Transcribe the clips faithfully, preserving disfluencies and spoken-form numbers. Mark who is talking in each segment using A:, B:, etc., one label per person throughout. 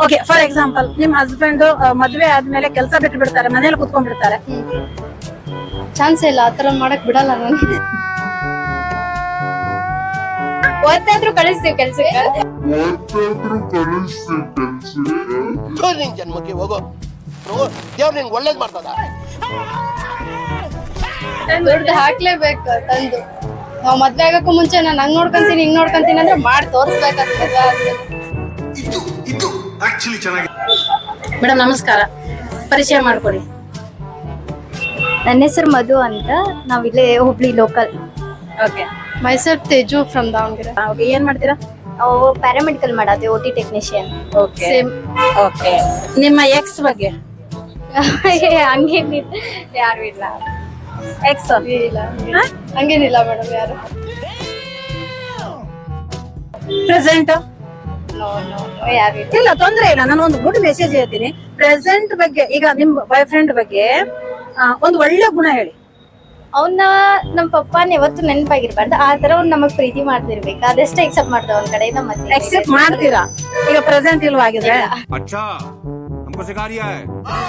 A: Okay, for example ನಿಮ್ husband ಮದ್ವೆ ಆದ್ಮೇಲೆ ಕೆಲಸ ಬಿಟ್ಟು ಬಿಡ್ತಾರೆ, ಮನೇಲಿ ಕುತ್ಕೊಂಡ್ಬಿಡ್ತಾರೆ.
B: ಚಾನ್ಸ್ ಇಲ್ಲ, ಆತರ ಮಾಡಕ್ ಬಿಡಲ್ಲ ನಾನು. ಒತ್ತಾದ್ರೂ ಕಳಿಸ್ತೀವಿ ಕೆಲ್ಸಕ್ಕೆ.
C: ನಿನ್ ಜನ್ಮಕ್ಕೆ ಹೋಗೋ ದೇವ್ರು ನಿನ್ಗೆ ಒಳ್ಳೇದ್ ಮಾಡ್ತದ.
B: ದುಡ್ಡು ಹಾಕ್ಲೇಬೇಕು ತಂದು. ನಾವ್ ಮದ್ವೆ ಆಗಕ್ಕೂ ಮುಂಚೆ ನಾನು ಹಂಗ್ ನೋಡ್ಕೊಂತೀನಿ ಹಿಂಗ್ ನೋಡ್ಕೊಂತೀನಿ ಅಂದ್ರೆ ಮಾಡಿ ತೋರ್ಸ್ಬೇಕಾಗ್ತದೆ.
A: ಮೇಡಮ್ ನಮಸ್ಕಾರ, ಪರಿಚಯ ಮಾಡ್ಕೊಡಿ.
D: ನನ್ನ ಹೆಸರು ಮಧು ಅಂತ, ನಾವಿಲ್ಲೇ Hubli local.
A: Okay,
B: myself Teju from Davanagere.
A: Okay, ಏನ್ ಮಾಡ್ತೀರಾ?
D: ನಾವು ಪ್ಯಾರಾಮೆಡಿಕಲ್ ಮಾಡೋದು, O T technician.
A: Okay
B: same.
A: Okay, ನಿಮ್ಮ ಎಕ್ಸ್ ಬಗ್ಗೆ?
D: ಹಂಗೇನಿಲ್ಲ, ಯಾರು ಇಲ್ಲ.
A: ಎಕ್ಸ್
B: ಇಲ್ಲ ಹಂಗೇನಿಲ್ಲ ಮೇಡಮ್, ಯಾರು.
A: ಪ್ರೆಸೆಂಟ್?
D: ನೋ ನೋ ನೋ, ಯಾರು ಇಲ್ಲ.
A: ಇಲ್ಲ, ತೊಂದ್ರೆ ಇಲ್ಲ. ನಾನು ಒಂದು ಗುಡ್ ಮೆಸೇಜ್ ಹೇಳ್ತೀನಿ. ಪ್ರೆಸೆಂಟ್ ಬಗ್ಗೆ, ಈಗ ನಿಮ್ ಬಾಯ್ ಫ್ರೆಂಡ್ ಬಗ್ಗೆ ಆ, ಒಂದು ಒಳ್ಳೆ ಗುಣ ಹೇಳಿ.
D: ಅವನ್ನ ನಮ್ಮ ಪಪ್ಪನ ಯಾವತ್ತು ನೆನಪಾಗಿರ್ಬಾರ್ದು, ಆ ತರ ಅವ್ನು ನಮಗ್ ಪ್ರೀತಿ ಮಾಡ್ತಿರ್ಬೇಕು, ಅದಷ್ಟೇ ಎಕ್ಸೆಪ್ಟ್ ಮಾಡ್ತಾವ ಒಂದ್ ಕಡೆಯಿಂದ. ಮತ್ತೆ
A: ಎಕ್ಸೆಪ್ಟ್ ಮಾಡ್ತೀರಾ? ಈಗ ಪ್ರೆಸೆಂಟ್ ಇಲ್ವಾ ಆಗಿದ್ರೆ?
E: अच्छा हमको सिखा रिया है.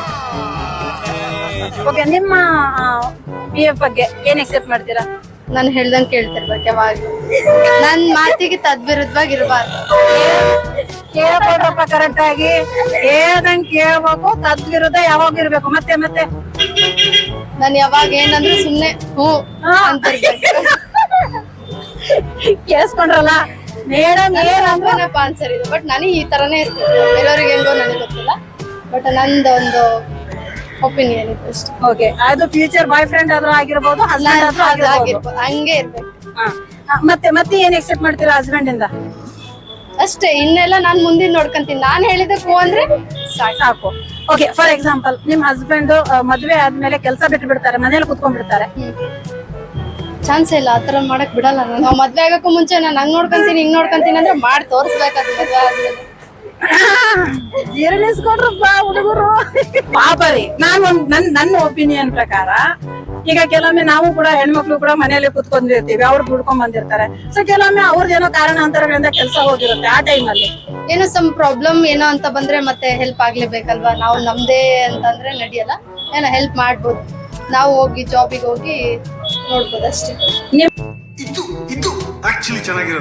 A: ಓಕೆ, ನಿಮ್ಮ ಪಿ ಎಫ್ ಬಗ್ಗೆ ಏನ್ ಎಕ್ಸೆಪ್ಟ್ ಮಾಡ್ತೀರಾ?
B: ನಾನು ಹೇಳ್ದಂಗ್ ಕೇಳ್ತಿರ್ಬೇಕು ಯಾವಾಗ. ನನ್ ಮಾತಿಗೆ ತದ್ವಿರುದ್ಧವಾಗಿ ಇರಬಾರ್ದು.
A: ಕೇಳ್ಕೊಡ್ರಪ್ಪ ಕರೆಕ್ಟ್ ಆಗಿ, ಹೇಳ್ದಂಗ್ ಕೇಳ್ಬೇಕು, ತದ್ವಿರುದ್ಧ ಯಾವಾಗ ಇರ್ಬೇಕು. ಮತ್ತೆ ಮತ್ತೆ
B: ನಾನು ಯಾವಾಗ ಏನಂದ್ರೆ ಸುಮ್ನೆ ಹ್ಞೂ ಅಂತಿರ್ಬೇಕು.
A: ಕೇಳಿಸ್ಕೊಂಡ್ರಲ್ಲ ಮೇಡಮ್ ಏನಂದ್ರೆ?
B: ಆನ್ಸರ್ ಇದು, ಬಟ್ ನನಗೆ ಈ ತರನೇ ಇರ್ತದೆ. ಬೇರೆಯವ್ರಿಗೆ ಹೆಂಗೋ ನನಗೆ ಗೊತ್ತಿಲ್ಲ, ಬಟ್ ನಂದು ಒಂದು ಒಪಿನಿಯನ್ ಇದೆ ಅಷ್ಟೇ.
A: ಓಕೆ, ಅದು ಫ್ಯೂಚರ್ ಬಾಯ್ ಫ್ರೆಂಡ್ ಆದ್ರೂ ಆಗಿರ್ಬೋದು, ಹಸ್ಬೆಂಡ್ ಆದ್ರೂ ಆಗಿರ್ಬೋದು.
B: ಆಗಿರ್ಬೋದು, ಹಂಗೆ ಇರ್ಬೇಕು
A: ಹಾ. ಆ, ಮತ್ತೆ ಮತ್ತೆ ಏನ್ ಎಕ್ಸೆಪ್ಟ್ ಮಾಡ್ತೀರಾ ಹಸ್ಬೆಂಡ್ ಇಂದ?
B: ಅಷ್ಟೇ. ಇನ್ನೆಲ್ಲ ನಾನ್ ಮುಂದಿನ ನೋಡ್ಕೊಂತೀನಿ. ನಾನ್ ಹೇಳಿದಕ್ಕೆ ಹೂ ಅಂದ್ರೆ ಸಾಕು.
A: ಸಾಕು. ಓಕೆ, ಫಾರ್ ಎಕ್ಸಾಂಪಲ್ ನಿಮ್ ಹಸ್ಬೆಂಡ್ ಮದ್ವೆ ಆದ್ಮೇಲೆ ಕೆಲಸ ಬಿಟ್ಟು ಬಿಡ್ತಾರೆ, ಮನೇಲಿ ಕುತ್ಕೊಂಡ್ಬಿಡ್ತಾರೆ.
B: ಚಾನ್ಸ್ ಇಲ್ಲ, ಆತರ ಮಾಡಕ್ ಬಿಡಲ್ಲ ನಾನು. ನಾವ್ ಮದ್ವೆ ಆಗಕ್ಕೂ ಮುಂಚೆ ನಾನು ಹಂಗ್ ನೋಡ್ಕೊಂತೀನಿ ಹಿಂಗ್ ನೋಡ್ಕೊಂತೀನಿ ಅಂದ್ರೆ ಮಾಡಿ ತೋರ್ಸ್ಬೇಕಾಗ್ತದೆ ಮದ್ವೆ ಆದ್ಮೇಲೆ.
A: ಜೀರ್ಣಿಸ್ಕೊಂಡ್ರಪ್ಪ ಹುಡುಗರು. ಪಾಪರಿ, ನಾನು ಒಂದ್ ನನ್ ನನ್ನ ಒಪಿನಿಯನ್ ಪ್ರಕಾರ, ಈಗ ಕೆಲವೊಮ್ಮೆ ನಾವು ಕೂಡ ಹೆಣ್ಮಕ್ಳು ಕೂಡ ಮನೆಯಲ್ಲಿ ಕುತ್ಕೊಂಡಿರ್ತೀವಿ, ಅವ್ರು ದುಡ್ಕೊಂಡ್ ಬಂದಿರ್ತಾರೆ. ಸೊ ಕೆಲವೊಮ್ಮೆ ಅವ್ರದ್ದೇನೋ ಕಾರಣಾಂತರಗಳಿಂದ ಕೆಲಸ ಹೋಗಿರುತ್ತೆ. ಆ ಟೈಮ್ ಅಲ್ಲಿ
B: ಏನೋ ಸಮ್ ಪ್ರಾಬ್ಲಮ್ ಏನೋ ಅಂತ ಬಂದ್ರೆ ಮತ್ತೆ ಹೆಲ್ಪ್ ಆಗ್ಲೇಬೇಕಲ್ವಾ. ನಾವು ನಮ್ದೇ ಅಂತಂದ್ರೆ ನಡೆಯಲ್ಲ, ಏನೋ ಹೆಲ್ಪ್ ಮಾಡ್ಬೋದು. ನಾವು ಹೋಗಿ ಜಾಬಿಗೆ ಹೋಗಿ ನೋಡ್ಬೋದು ಅಷ್ಟೇ.
E: ಇದು ಇದು ಆಕ್ಚುಲಿ ಚೆನ್ನಾಗಿರೋದು.